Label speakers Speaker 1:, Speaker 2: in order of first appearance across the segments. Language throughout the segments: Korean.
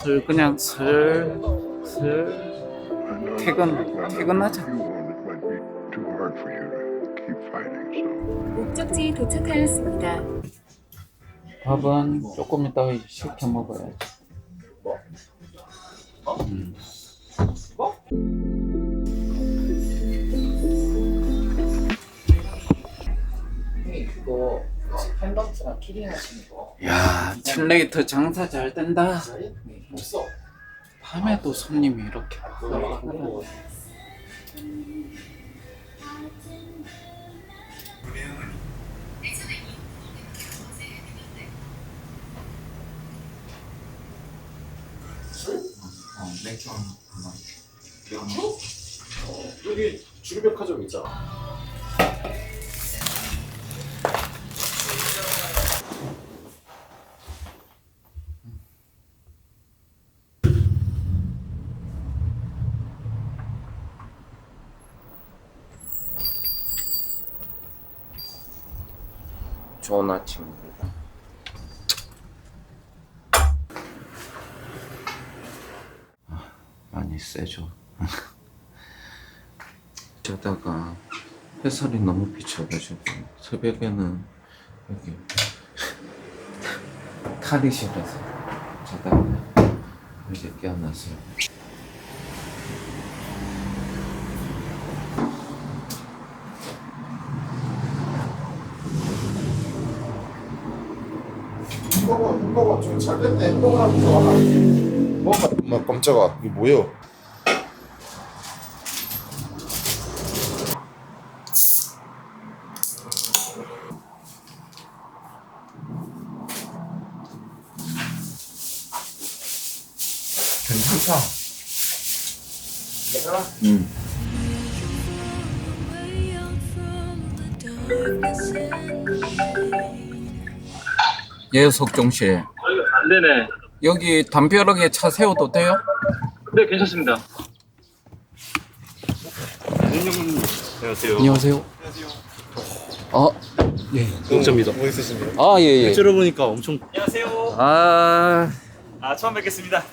Speaker 1: 그냥 슬슬 퇴근하자.
Speaker 2: 목적지에 도착하였습니다.
Speaker 1: 밥은 조금 이따가 시켜 먹어야지. 이거 펜던트랑 키링 하시는 거. 야, 칠레이터 장사 잘 된다. 없어. 밤에도 손님이 이렇게 많아. 맥주 한 번.
Speaker 3: 여기 주류백화점 있잖아.
Speaker 1: 좋은 아침입니다. 많이 세죠. 자다가 햇살이 너무 비쳐가지고 새벽에는 여기 탈의실에서 자다가 이제 깨어났어요.
Speaker 3: 햄버거 좀 잘 됐네. 햄버거 하나 더 하나. 엄마 깜짝아. 이게 뭐예요? 괜찮다.
Speaker 1: 예, 석종 씨.
Speaker 4: 네네.
Speaker 1: 여기 담벼락에 차 세워도 돼요?
Speaker 4: 네, 괜찮습니다. 안녕하세요.
Speaker 1: 안녕하세요. 아, 예.
Speaker 4: 영자입니다.
Speaker 3: 뭐 있으신가요?
Speaker 1: 아, 예, 예.
Speaker 4: 들어보니까 엄청. 안녕하세요.
Speaker 1: 아,
Speaker 4: 처음 뵙겠습니다.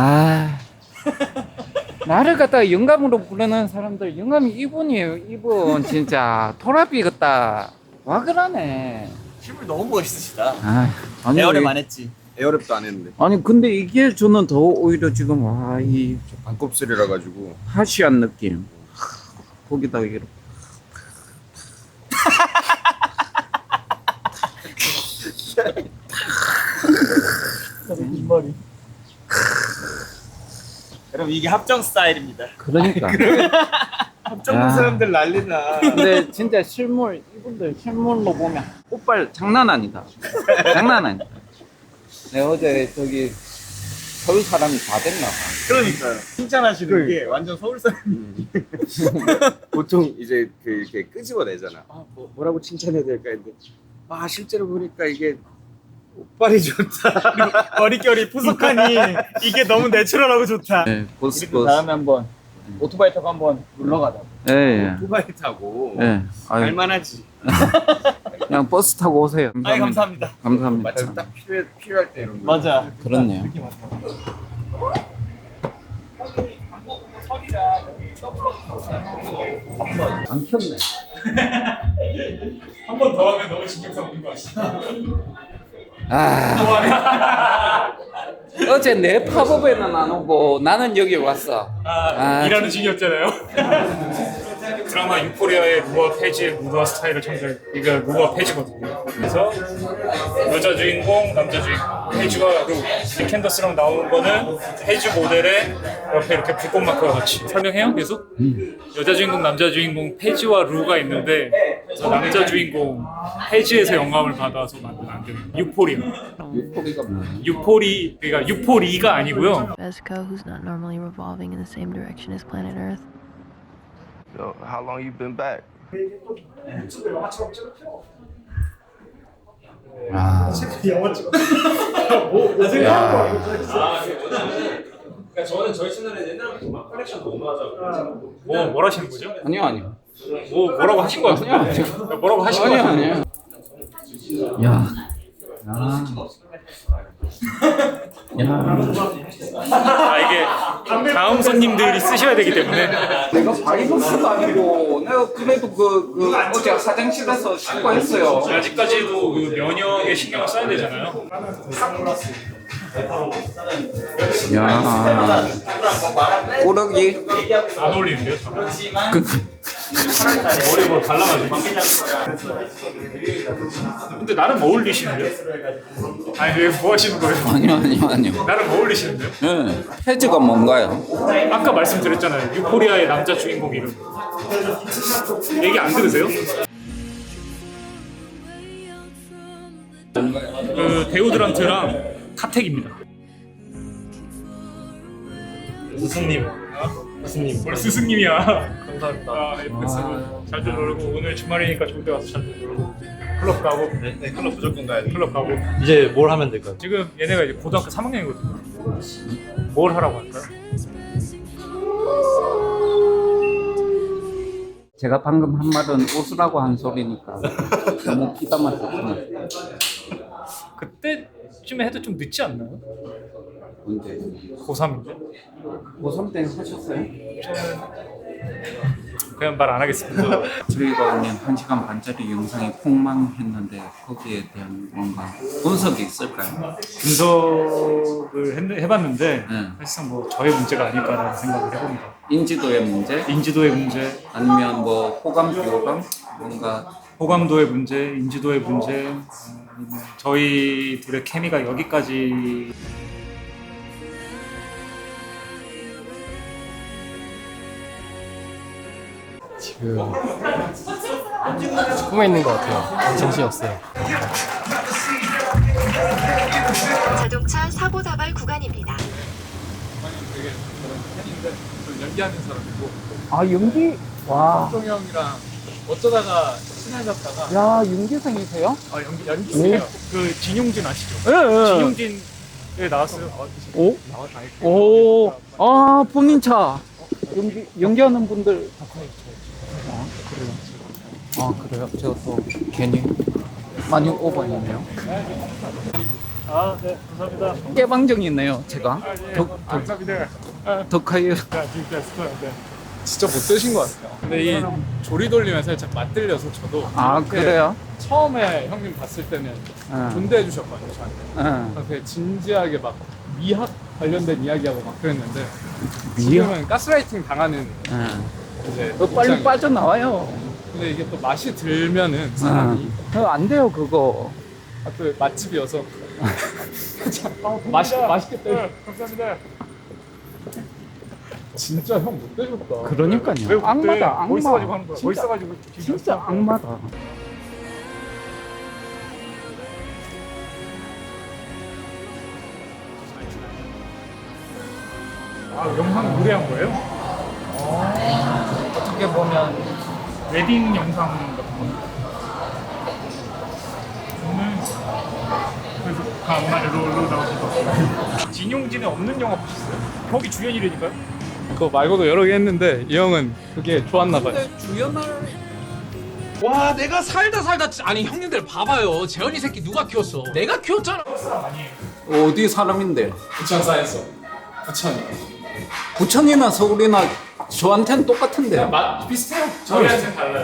Speaker 1: 나를 갖다가 영감으로 부르는 사람들, 영감이 이분이에요, 이분. 진짜. 토라비 같다. 와, 그러네.
Speaker 4: 실물 너무 멋있으시다.
Speaker 1: 아니,
Speaker 4: 에어랩 안 했지?
Speaker 3: 에어랩도 안 했는데.
Speaker 1: 아니, 근데 이게 저는 더 오히려 지금, 와, 이
Speaker 3: 반곱슬이라 가지고.
Speaker 1: 하시한 느낌. 거기다가 이렇게.
Speaker 4: 이 머리. 여러분, 이게 합정 스타일입니다.
Speaker 1: 그러니까.
Speaker 4: 합정
Speaker 1: 야.
Speaker 4: 사람들 난리나.
Speaker 1: 근데 진짜 실물, 이분들 실물로 보면 옷발 장난 아니다. 장난 아니다. 내가 어제 저기 서울 사람이 다 됐나 봐.
Speaker 4: 그러니까요. 칭찬하시는 게 완전 서울 사람.
Speaker 3: 보통 이제 그 이렇게 끄집어내잖아. 뭐라고 칭찬해야 될까 했는데 실제로 보니까 이게
Speaker 4: 옷발이 좋다. 그리고 머릿결이 푸석하니 이게 너무 내추럴하고 좋다.
Speaker 1: 네, 보스,
Speaker 4: 우리도 다음에 한번 오토바이 타고 한번 놀러 가자.
Speaker 1: 예, 예.
Speaker 3: 오토바이 타고
Speaker 1: 예. 아유,
Speaker 3: 갈만하지.
Speaker 1: 그냥 버스 타고 오세요.
Speaker 4: 아이, 감사합니다.
Speaker 1: 감사합니다.
Speaker 3: 마침 딱 필요할 때 이런 거.
Speaker 4: 맞아.
Speaker 1: 그렇네요. 안 켰네.
Speaker 4: 한 번 더 하면 너무 신경 쓰는 거 아시죠?
Speaker 1: 어제 내 팝업에는 안 오고 나는 여기 왔어.
Speaker 4: 일하는 중이었잖아요. 드라마 유포리아의 루어 페이지의 무더 스타일을 참고해. 이거 루어 페이지거든요. 그래서 여자 주인공, 남자 주인공, 페이지와 루. 이 캔더스랑 나오는 거는 페이지 모델에 옆에 이렇게 불꽃 마크와 같이 설명해요. 계속. 여자 주인공, 남자 주인공, 페이지와 루가 있는데 남자 주인공 페이지에서 영감을 받아서 만든 안경. 유포리아.
Speaker 1: 유포리가 뭐야?
Speaker 4: 유포리, 그러니까 유포리가 아니고요.
Speaker 5: Vesco, who's not normally revolving in the same direction as planet Earth.
Speaker 6: So, how long you been back?
Speaker 4: 영화 찍어.
Speaker 3: 그러니까 저는 저희 채널에 옛날부터 막 컬렉션 너무 하자고.
Speaker 4: 뭘 하시는 거죠?
Speaker 1: 아니요.
Speaker 4: 뭐라고 하신 거 같아요? 뭐라고 하신 거 같아요?
Speaker 1: 아니요. 야.
Speaker 4: 아 이게 다음 손님들이 쓰셔야 되기 때문에
Speaker 1: 내가 바이러스도 아니고 내가 그래도 그 어제 화장실에서 씻고 했어요.
Speaker 4: 아직까지도 그 면역에 신경을 써야 되잖아요.
Speaker 1: 야, 꾸러기.
Speaker 4: 안 어울리는데요? 머리 뭐 달라가지고. 근데 나름 어울리시는데요? 아니 뭐 하시는 거예요?
Speaker 1: 아니요.
Speaker 4: 나름 어울리시는데요?
Speaker 1: 네. 해즈가 뭔가요?
Speaker 4: 아까 말씀드렸잖아요. 유포리아의 남자 주인공 이름. 얘기 안 들으세요? 그 데오드란트랑 카텍입니다.
Speaker 7: 스승님. 스승님.
Speaker 4: 뭘 스승님이야.
Speaker 7: 감사합니다.
Speaker 4: 아, 잘좀 놀고 오늘 주말이니까 좋은 데 가서 잘좀 놀고 클럽 가고
Speaker 7: 네, 클럽 무조건 가야 돼.
Speaker 4: 클럽 가고
Speaker 7: 이제 뭘 하면 될까요?
Speaker 4: 지금 얘네가 이제 고등학교 3학년이거든요. 뭘 하라고 할까요?
Speaker 1: 제가 방금 한 말은 웃으라고 한 소리니까 너무 피담아 줬습니다.
Speaker 4: 그때쯤에 해도 좀 늦지 않나요?
Speaker 1: 언제?
Speaker 4: 고3인데?
Speaker 1: 고3 때 하셨어요?
Speaker 4: 그냥 말 안 하겠습니다.
Speaker 1: 저희가 오늘 1시간 반짜리 영상이 폭망했는데 거기에 대한 뭔가 분석이 있을까요?
Speaker 4: 분석을 해봤는데
Speaker 1: 네.
Speaker 4: 사실상 뭐 저의 문제가 아닐까라는 생각을 해봅니다.
Speaker 1: 인지도의 문제?
Speaker 4: 인지도의 문제,
Speaker 1: 아니면 뭐 호감 비호감? 뭔가
Speaker 4: 호감도의 문제, 인지도의 문제, 아니면 저희 둘의 케미가 여기까지
Speaker 8: 지금 꿈에 있는 것 같아요. 정신이 없어요.
Speaker 2: 자동차 사고 다발 구간입니다.
Speaker 8: 연기하는 사람이고
Speaker 1: 아 연기? 와.
Speaker 8: 정 형이랑 어쩌다가 친해졌다가
Speaker 1: 야 윤기생이세요?
Speaker 4: 연기세요. 그 진용진 아시죠?
Speaker 1: 예.
Speaker 4: 진용진에 나왔어요.
Speaker 1: 오? 오. 아 본인차. 연기하는 분들. 아 그래요. 아 그래요. 제가 또 괜히 많이 오버했네요.
Speaker 4: 아, 네, 감사합니다.
Speaker 1: 깨방정이 있네요. 제가.
Speaker 4: 감사합니다.
Speaker 1: 덕하유.
Speaker 4: 진짜 스토어인데.
Speaker 8: 진짜 못 드신 것 같아요. 근데 이 조리 돌리면 살짝 맞들려서 저도
Speaker 1: 아
Speaker 8: 이렇게
Speaker 1: 그래요?
Speaker 8: 처음에 형님 봤을 때는
Speaker 1: 응.
Speaker 8: 존대해 주셨거든요 저한테.
Speaker 1: 응.
Speaker 8: 되게 진지하게 막 미학 관련된 이야기하고 막 그랬는데
Speaker 1: 미학?
Speaker 8: 지금은 가스라이팅 당하는
Speaker 1: 응.
Speaker 8: 이제
Speaker 1: 너 빨리
Speaker 8: 입장이에요.
Speaker 1: 빠져나와요.
Speaker 8: 근데 이게 또 맛이 들면은 사람이
Speaker 1: 안 돼요 그거.
Speaker 8: 아, 또 맛집이어서 맛있겠다.
Speaker 4: 감사합니다.
Speaker 8: 진짜 형 못 되셨다.
Speaker 1: 그러니까요. 악마다 악마.
Speaker 4: 멋있어가지고 하는 거야.
Speaker 1: 진짜,
Speaker 4: 멋있어가지고
Speaker 1: 진짜 악마다.
Speaker 4: 아, 영상 노래한 거예요?
Speaker 1: 어떻게 보면
Speaker 4: 웨딩 영상 같은 겁니다. 그래서 강만의 롤로 나오시고 진용진에 없는 영화 보셨어요? 거기 주연이라니까요?
Speaker 8: 그거 말고도 여러 개 했는데 이 형은 그게 좋았나 봐요.
Speaker 9: 와 내가 살다 아니 형님들 봐봐요 재현이 새끼 누가 키웠어 내가 키웠잖아
Speaker 1: 어디 사람인데요?
Speaker 8: 부천 사이언스. 부천이.
Speaker 1: 부천이나 서울이나 저한테는 똑같은데요.
Speaker 8: 맛 비슷해요. 저희한테는 달라요.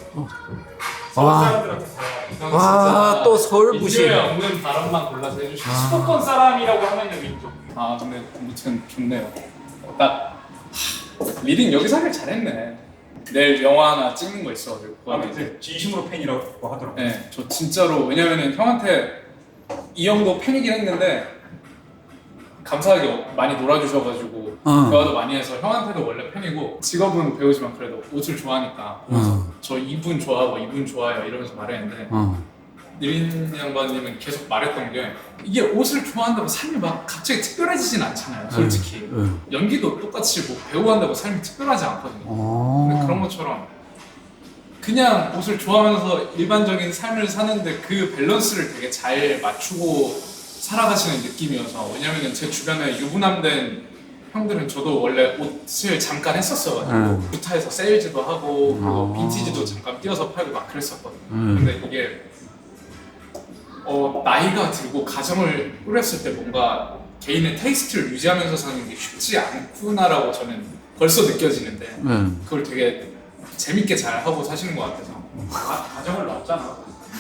Speaker 1: 와, 또 서울 부시.
Speaker 8: 인류에 없는 발언만 골라서 해주시고.
Speaker 4: 수도권 사람이라고 하면 여기 있죠.
Speaker 8: 아 근데 아무튼 좋네요. 딱 리딩 여기서 하길 잘했네. 내일 영화 하나 찍는 거 있어가지고.
Speaker 4: 아, 근데 진심으로 팬이라고 하더라고요.
Speaker 8: 네, 저 진짜로 왜냐면은 형한테 이 형도 팬이긴 했는데 감사하게 많이 놀아주셔가지고 대화도 많이 해서 형한테도 원래 팬이고 직업은 배우지만 그래도 옷을 좋아하니까 저 이분 좋아하고 이분 좋아해요 이러면서 말했는데 니린 양반님은 계속 말했던 게 이게 옷을 좋아한다고 삶이 막 갑자기 특별해지진 않잖아요 솔직히 연기도 똑같이 뭐 배우한다고 삶이 특별하지 않거든요 근데 그런 것처럼 그냥 옷을 좋아하면서 일반적인 삶을 사는데 그 밸런스를 되게 잘 맞추고 살아가시는 느낌이어서 왜냐면은 제 주변에 유부남된 형들은 저도 원래 옷을 잠깐 했었어가지고 부타에서 세일즈도 하고 빈티지도 잠깐 띄어서 팔고 막 그랬었거든요 근데 이게 나이가 들고 가정을 꾸렸을 때 뭔가 개인의 테이스트를 유지하면서 사는 게 쉽지 않구나라고 저는 벌써 느껴지는데 그걸 되게 재밌게 잘 하고 사시는 것 같아서.
Speaker 4: 가정을 놨잖아.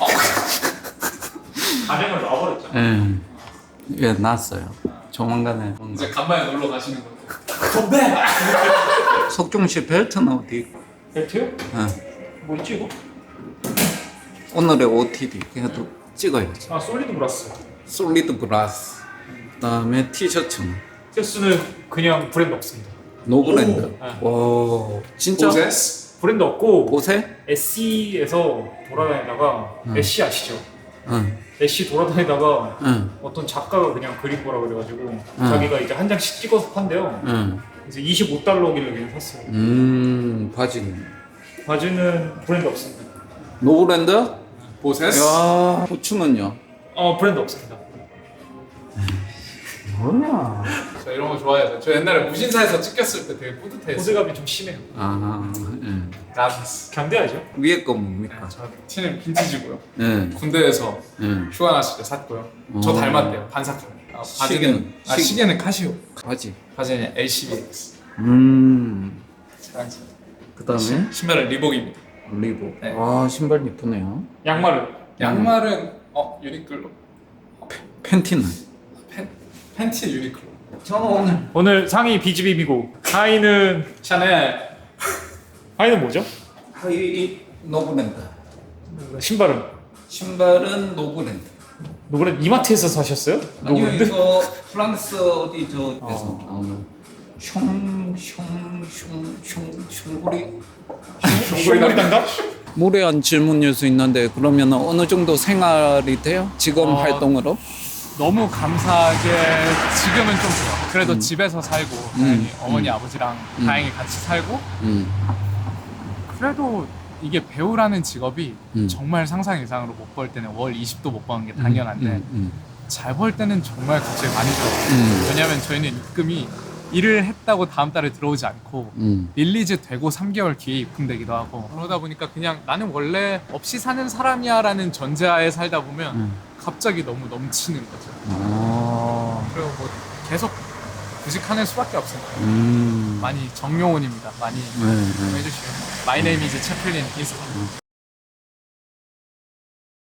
Speaker 4: 가정을 놔버렸잖아.
Speaker 1: 예, 났어요. 조만간에 뭔가.
Speaker 8: 이제 간만에 놀러 가시는 거예요.
Speaker 1: 석중 씨 벨트는 어디 있고?
Speaker 4: 벨트요?
Speaker 1: 예.
Speaker 4: 뭐 있지 이거?
Speaker 1: 오늘의 OOTD 그래도 찍어야지.
Speaker 4: 아 솔리드 브라스.
Speaker 1: 솔리드 브라스. 그다음에 티셔츠는
Speaker 4: 티셔츠는 그냥 브랜드 없습니다.
Speaker 1: 노브랜드. 와, 진짜?
Speaker 8: 보세스?
Speaker 4: 브랜드 없고
Speaker 1: 보세?
Speaker 4: SC에서 돌아다니다가 SC 아시죠?
Speaker 1: 응,
Speaker 4: SC 돌아다니다가
Speaker 1: 응,
Speaker 4: 어떤 작가가 그냥 그린 거라 그래가지고 자기가 이제 한 장씩 찍어서 판대요.
Speaker 1: 응.
Speaker 4: 이제 25달러길래 그냥 샀어요.
Speaker 1: 바지는.
Speaker 4: 바지는 브랜드 없습니다.
Speaker 1: 노브랜드?
Speaker 8: 보세스?
Speaker 1: 야, 부츠는요?
Speaker 4: 브랜드 없습니다.
Speaker 1: 뭐야?
Speaker 8: 저 이런 거 좋아해서 저 옛날에 무신사에서 찍혔을 때 되게 뿌듯해했어요.
Speaker 4: 포즈감이 좀 심해요.
Speaker 1: 아, 예.
Speaker 8: 라비스.
Speaker 4: 견뎌야죠.
Speaker 1: 위에 거 뭡니까?
Speaker 8: 저 티는 빈티지고요.
Speaker 1: 예,
Speaker 8: 군대에서
Speaker 1: 예.
Speaker 8: 휴가 났을 때 샀고요. 저 닮았대요. 반삭하고. 바지는 시계는 카시오.
Speaker 1: 바지.
Speaker 8: 바지는 LCBX.
Speaker 1: 그 다음에
Speaker 8: 신발은 리복입니다.
Speaker 1: 리복.
Speaker 8: 네.
Speaker 1: 와, 신발 이쁘네요.
Speaker 4: 양말은
Speaker 8: 양말은 유니클로.
Speaker 1: 팬티는?
Speaker 8: 팬티 유니클로.
Speaker 1: 저는
Speaker 4: 오늘 상의 비즈비비고 하의는
Speaker 8: 샤넬.
Speaker 4: 하의는 뭐죠?
Speaker 1: 하이 노브랜드.
Speaker 4: 신발은
Speaker 1: 신발은 노브랜드.
Speaker 4: 노브랜드 이마트에서 사셨어요?
Speaker 1: 아니요,
Speaker 4: 노브랜드?
Speaker 1: 이거 프랑스 어디 저에서 나오는 숑구리.
Speaker 4: 숑구리 담당?
Speaker 1: 무례한 질문일 수 있는데 그러면 어느 정도 생활이 돼요? 직업 활동으로?
Speaker 8: 너무 감사하게 지금은 좀 좋아. 그래도 집에서 살고 다행히 어머니 아버지랑 다행히 같이 살고 그래도 이게 배우라는 직업이 정말 상상 이상으로 못 벌 때는 월 20도 못 버는 게 당연한데 잘 벌 때는 정말 갑자기 많이 들어요. 왜냐하면 저희는 입금이 일을 했다고 다음 달에 들어오지 않고 릴리즈 되고 3개월 뒤에 입금되기도 하고 그러다 보니까 그냥 나는 원래 없이 사는 사람이야 라는 전제하에 살다 보면 갑자기 너무 넘치는 거죠. 그리고 뭐 계속 구직하는 수밖에 없습니다. 많이 정용훈입니다. 많이 해주시면 My name is 채플린 인스타.